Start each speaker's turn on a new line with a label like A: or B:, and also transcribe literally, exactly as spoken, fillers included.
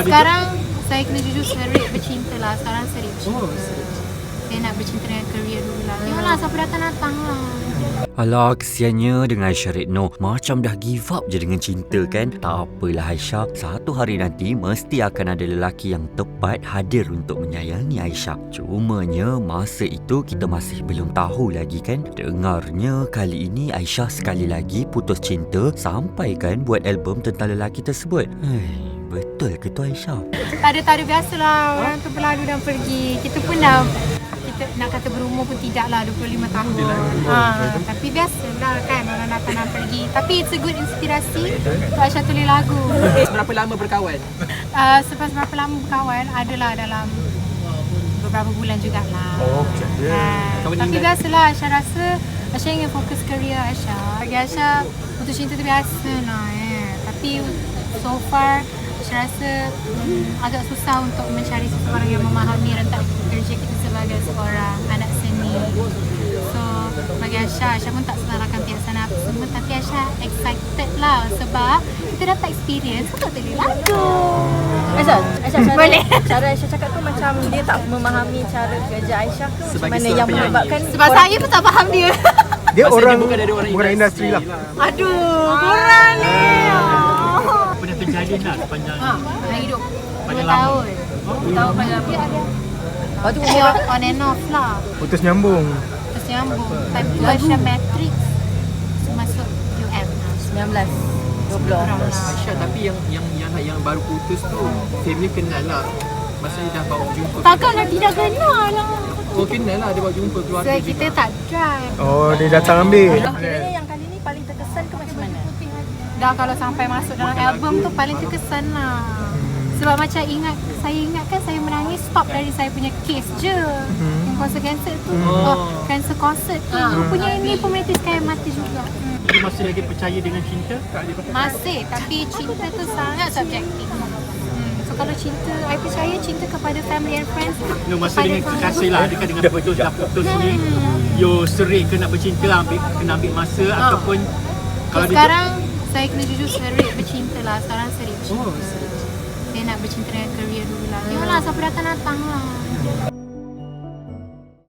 A: Sekarang saya kena jujur serik bercinta lah. Sekarang serik bercinta.
B: Oh, serik.
A: Saya nak bercinta dengan career dulu lah. Tengoklah siapa datang-datang lah.
C: Alah, kesiannya dengan Aisyah Retno. Macam dah give up je dengan cinta kan? Tak apalah Aisyah, satu hari nanti mesti akan ada lelaki yang tepat hadir untuk menyayangi Aisyah. Cumanya masa itu kita masih belum tahu lagi kan? Dengarnya kali ini Aisyah sekali lagi putus cinta sampai kan buat album tentang lelaki tersebut. Hei, betul ke tu Aisyah?
A: Tak ada, tak ada. Biasalah orang tu berlalu dan pergi. Kita pun dah, kita nak kata berumur pun tidak lah, dua puluh lima tahun. Ha, tapi biasalah kan orang datang dan pergi. Tapi it's a good inspirasi untuk Aisyah tulis lagu.
B: Berapa lama berkawan?
A: Uh, Selepas berapa lama berkawan, adalah dalam beberapa bulan jugalah.
D: Oh, macam dia.
A: Ha, tapi biasalah Aisyah rasa Aisyah ingin fokus kerja Aisyah. Bagi Aisyah putus cinta tu biasa lah eh. Tapi so far Aisyah rasa hmm, agak susah untuk mencari seseorang yang memahami rentak kerja kita sebagai seorang anak seni. So bagi Aisyah, Aisyah pun tak salahkan pihak sana apa semua, tapi Aisyah excited lah sebab kita dapat experience untuk tulis lagu.
E: Aisyah, Aisyah cara,
A: Boleh.
E: cara Aisyah cakap tu macam dia tak memahami cara kerja Aisyah tu macam
B: Sebagai
E: mana
B: seorang
E: yang
B: penyanyi.
E: menyebabkan
A: Sebab saya pun tak faham dia.
D: Dia
B: Maksudnya
D: orang
B: bukan dari orang
D: bukan industri lah.
A: Aduh, korang ni.
F: Pernah kejadian lah sepanjang
A: Ha, dah hidup dua
F: Panjang lama.
A: tahun. Dua tahun panjang lama.
E: Lepas tu
A: Dia on and off lah.
D: putus nyambung.
A: Terus nyambung. Time tu Aisyah Matrix masuk U M lah.
E: sembilan belas dua puluh
A: Kurang lah.
B: Aisyah, tapi yang yang yang yang baru putus tu family kenal lah. Masa dia dah bawa jumpa.
A: Takkanlah tidak kenal lah.
B: Oh, kenal lah dia bawa jumpa keluarga
A: So
B: juga.
A: kita tak drive.
D: Oh, dia datang ambil.
E: Kiranya yang kali ni paling terkesan ke macam mana?
A: Dah kalau sampai masuk dalam album tu paling terkesan lah. Sebab macam ingat, saya ingat kan saya menangis stop dari saya punya case je. Yang konser-konser tu, oh, cancel concert tu. Rupanya ini pemerintah sekalian mati juga. Hmm.
F: dia masih lagi percaya dengan cinta?
A: Masih, tapi cinta tu sangat subjektif. Hmm. So kalau cinta, I percaya cinta kepada family and friends.
F: No, masa
A: kepada
F: dengan
A: kawan.
F: kekasih lah, adakah dengan putus dah putus ni you serik ke nak bercinta, ambil, kena ambil masa
A: Ha.
F: ataupun
A: So,
F: kalau dia
A: sekarang saya kena jujur serik bercinta lah. Sekarang serik bercinta.
B: Oh, serik.
A: Saya nak bercinta dengan career dulu lah. Tengoklah siapa datang-datang lah.